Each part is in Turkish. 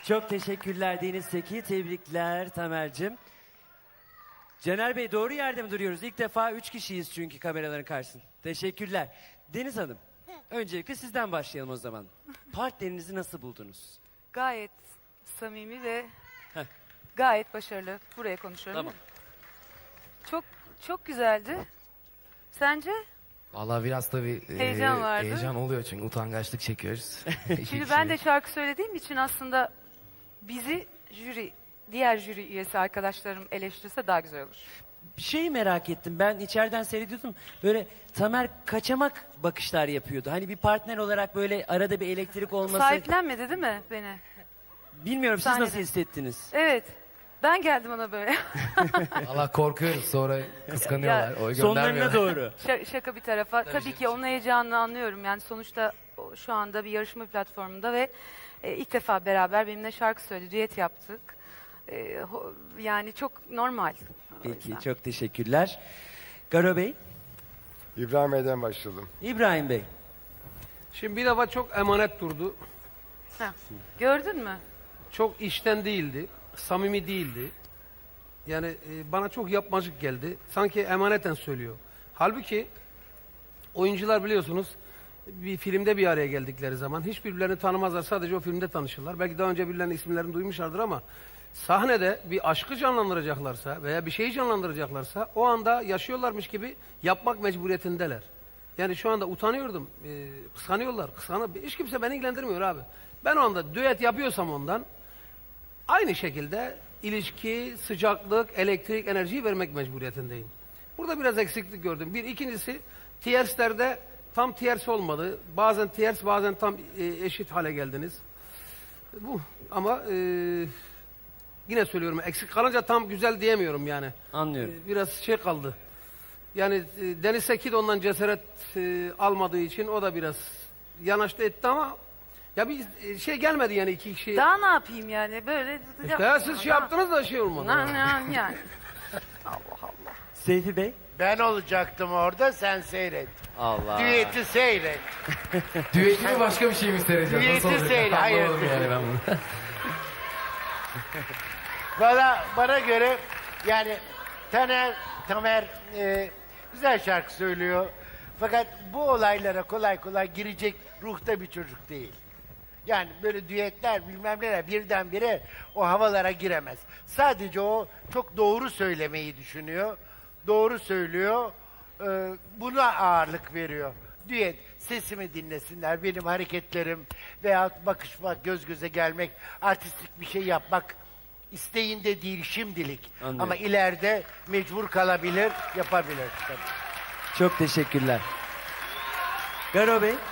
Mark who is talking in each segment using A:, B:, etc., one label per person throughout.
A: Çok teşekkürler Deniz Seki. Tebrikler Tamer'cim. Caner Bey doğru yerde mi duruyoruz? İlk defa 3 kişiyiz çünkü kameraların karşısında. Teşekkürler. Deniz Hanım, öncelikle sizden başlayalım o zaman. Partnerinizi nasıl buldunuz?
B: Gayet samimi ve
A: Heh.
B: gayet başarılı. Buraya konuşuyorum.
A: Tamam.
B: Çok güzeldi. Sence?
C: Vallahi biraz tabii
B: Heyecan vardı.
C: heyecan oluyor çünkü utangaçlık çekiyoruz.
B: Şimdi ben de şarkı söylediğim için aslında bizi diğer jüri üyesi arkadaşlarım eleştirirse daha güzel olur.
A: Bir şey merak ettim. Ben içeriden seyrediyordum. Böyle Tamer kaçamak bakışlar yapıyordu. Hani bir partner olarak böyle arada bir elektrik olması...
B: Sahiplenmedi değil mi beni?
A: Bilmiyorum siz
B: Sahnede.
A: nasıl hissettiniz?
B: Evet. Ben geldim ona böyle.
C: Allah korkuyoruz sonra kıskanıyorlar. O
A: Sonlarına
C: göndermiyor.
A: doğru.
B: Şaka bir tarafa. Tabii ki onun heyecanını anlıyorum. Yani sonuçta şu anda bir yarışma platformunda ve ilk defa beraber benimle şarkı söyledi, düet yaptık. Yani çok normal. O
A: Peki
B: yüzden.
A: çok teşekkürler. Garo Bey,
D: İbrahim Bey'den başladım.
A: İbrahim Bey.
E: Şimdi bir defa çok emanet durdu.
B: Ha, gördün mü?
E: Çok içten değildi. Samimi değildi. Yani bana çok yapmacık geldi. Sanki emaneten söylüyor. Halbuki oyuncular biliyorsunuz bir filmde bir araya geldikleri zaman hiç birbirlerini tanımazlar. Sadece o filmde tanışırlar. Belki daha önce birilerinin isimlerini duymuşlardır ama sahnede bir aşkı canlandıracaklarsa veya bir şeyi canlandıracaklarsa o anda yaşıyorlarmış gibi yapmak mecburiyetindeler. Yani şu anda utanıyordum. Kıskanıyorlar. Hiç kimse beni ilgilendirmiyor abi. Ben o anda düet yapıyorsam ondan aynı şekilde ilişki, sıcaklık, elektrik, enerjiyi vermek mecburiyetindeyim. Burada biraz eksiklik gördüm. Bir, ikincisi tierslerde tam tiers olmadı. Bazen tiers, bazen tam eşit hale geldiniz. Bu ama yine söylüyorum eksik kalınca tam güzel diyemiyorum yani.
A: Anlıyorum.
E: Biraz şey kaldı. Yani Deniz Seki de ondan cesaret almadığı için o da biraz yanaştı etti ama ya bir şey gelmedi yani iki kişi.
B: Daha ne yapayım yani böyle.
E: İşte ya siz şey yaptınız da şey olmadı.
B: Yani.
A: Seyfi Bey.
F: Ben olacaktım orada, sen seyret.
A: Allah.
F: Düeti seyret.
C: Düeti mi başka bir şey mi seyredeceğiz?
F: Düeti
C: Nasıl olacak?
F: seyret, hayır.
C: Anlamadım yani ben bunu.
F: Bana göre yani Tamer güzel şarkı söylüyor. Fakat bu olaylara kolay kolay girecek ruhta bir çocuk değil. Yani böyle düetler bilmem neler birdenbire o havalara giremez. Sadece o çok doğru söylemeyi düşünüyor. Doğru söylüyor. Buna ağırlık veriyor. Düet, sesimi dinlesinler, benim hareketlerim veyahut bakışmak, göz göze gelmek, artistik bir şey yapmak isteğinde değil şimdilik.
A: Anlıyorum.
F: Ama ileride mecbur kalabilir, yapabilir. Tabii.
A: Çok teşekkürler. Garo Bey.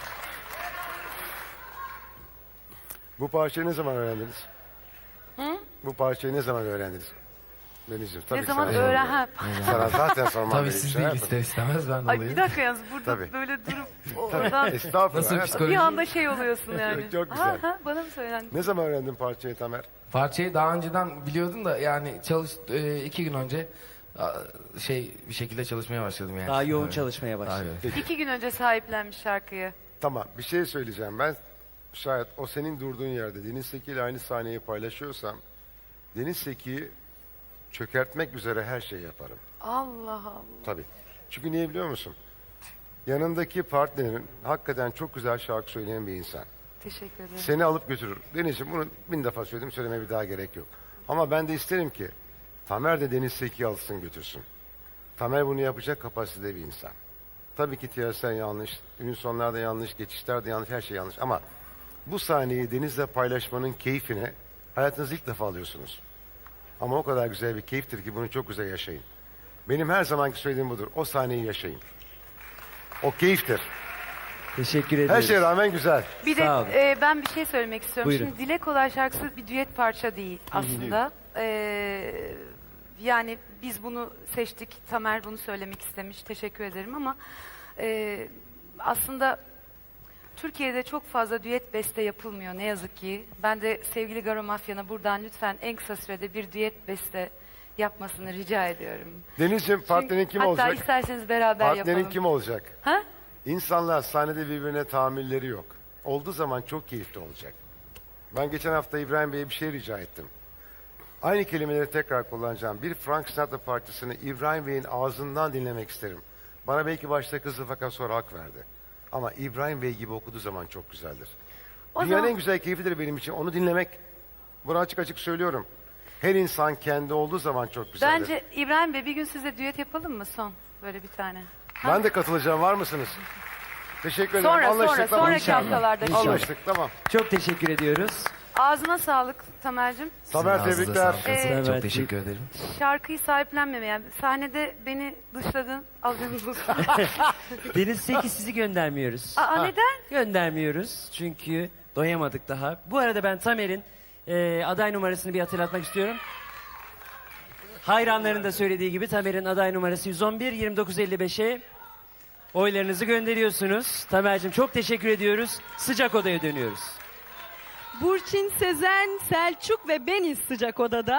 D: Bu parçayı ne zaman öğrendiniz? Bu parçayı ne zaman öğrendiniz? Denizciğim tabii
B: Ne
D: ki
B: zaman
D: sana
B: öğren...
D: sormam.
B: Ha,
D: Sana zaten sormam
C: Tabii
D: gerekiyor.
C: siz
D: Şey
C: değil
D: yapın.
C: ister istemez ben de
B: Ay bir
C: olayım.
B: dakika yalnız burada
D: Tabii.
B: böyle durup oradan
D: Estağfurullah.
C: Nasıl
D: hayatım.
C: psikoloji?
B: bir anda şey oluyorsun yani.
D: Çok güzel.
B: Bana mı söylendi?
D: Ne zaman öğrendin parçayı Tamer?
C: Parçayı daha önceden biliyordum da yani 2 gün önce bir şekilde çalışmaya başladım yani.
A: Daha yoğun
C: Evet.
A: çalışmaya başladı.
C: Tabii.
B: 2 gün önce sahiplenmiş şarkıyı.
D: Tamam bir şey söyleyeceğim. Ben şayet o senin durduğun yerde Deniz Seki ile aynı sahneyi paylaşıyorsam Deniz Seki'yi çökertmek üzere her şey yaparım.
B: Allah Allah.
D: Tabii. Çünkü niye biliyor musun? Yanındaki partnerin hakikaten çok güzel şarkı söyleyen bir insan.
B: Teşekkür ederim.
D: Seni alıp götürür. Denizciğim bunu 1000 defa söyledim, söylemeye bir daha gerek yok. Ama ben de isterim ki Tamer de Deniz Seki'yi alsın götürsün. Tamer bunu yapacak kapasitede bir insan. Tabii ki tiyatro yanlış, ünlü sonlar da yanlış, geçişler de yanlış, her şey yanlış. Ama bu sahneyi Deniz'le paylaşmanın keyfine hayatınızda ilk defa alıyorsunuz. Ama o kadar güzel bir keyiftir ki bunu çok güzel yaşayın. Benim her zamanki söylediğim budur. O sahneyi yaşayın. O keyiftir.
A: Teşekkür ederim.
D: Her şeye rağmen güzel.
B: Bir
A: Sağ olun.
B: de ben bir şey söylemek istiyorum.
A: Buyurun.
B: Şimdi Dile Kolay şarkısı bir düet parça değil aslında. Yani biz bunu seçtik. Tamer bunu söylemek istemiş. Teşekkür ederim ama aslında Türkiye'de çok fazla düet beste yapılmıyor ne yazık ki. Ben de sevgili Garo Mafyan'a buradan lütfen en kısa sürede bir düet beste yapmasını rica ediyorum.
D: Denizciğim partnerin kim
B: Hatta
D: olacak?
B: isterseniz beraber
D: Partnerin
B: yapalım.
D: kim olacak?
B: Ha?
D: İnsanlar sahnede birbirine tahammülleri yok. Olduğu zaman çok keyifli olacak. Ben geçen hafta İbrahim Bey'e bir şey rica ettim. Aynı kelimeleri tekrar kullanacağım. Bir Frank Sinatra parçasını İbrahim Bey'in ağzından dinlemek isterim. Bana belki başta kızdı fakat sonra hak verdi. Ama İbrahim Bey gibi okuduğu zaman çok güzeldir.
B: O
D: Dünyanın
B: zaman-
D: en güzel keyfidir benim için. Onu dinlemek. Bunu açık açık söylüyorum. Her insan kendi olduğu zaman çok güzeldir.
B: Bence İbrahim Bey bir gün size düet yapalım mı son? Böyle bir tane.
D: Ben de katılacağım. Var mısınız? Teşekkür ederim.
B: Sonra
D: Anlaştık, tamam.
B: sonraki haftalarda.
A: İnşallah.
D: Anlaştık, tamam.
A: Çok teşekkür ediyoruz.
B: Ağzına sağlık Tamer'cim.
D: Tamer,
C: Sizin ağzınıza
D: tebrikler.
C: sağlık.
A: Evet.
C: Çok teşekkür ederim.
B: Şarkıyı sahiplenmemeye. Yani sahnede beni dışladın. Haberiniz olsun.
A: Deniz Seki sizi göndermiyoruz.
B: Aa, neden?
A: Göndermiyoruz çünkü doyamadık daha. Bu arada ben Tamer'in aday numarasını bir hatırlatmak istiyorum. Hayranların da söylediği gibi Tamer'in aday numarası 111 2955'e oylarınızı gönderiyorsunuz. Tamer'cim çok teşekkür ediyoruz. Sıcak odaya dönüyoruz.
G: Burçin, Sezen, Selçuk ve beniz sıcak odada.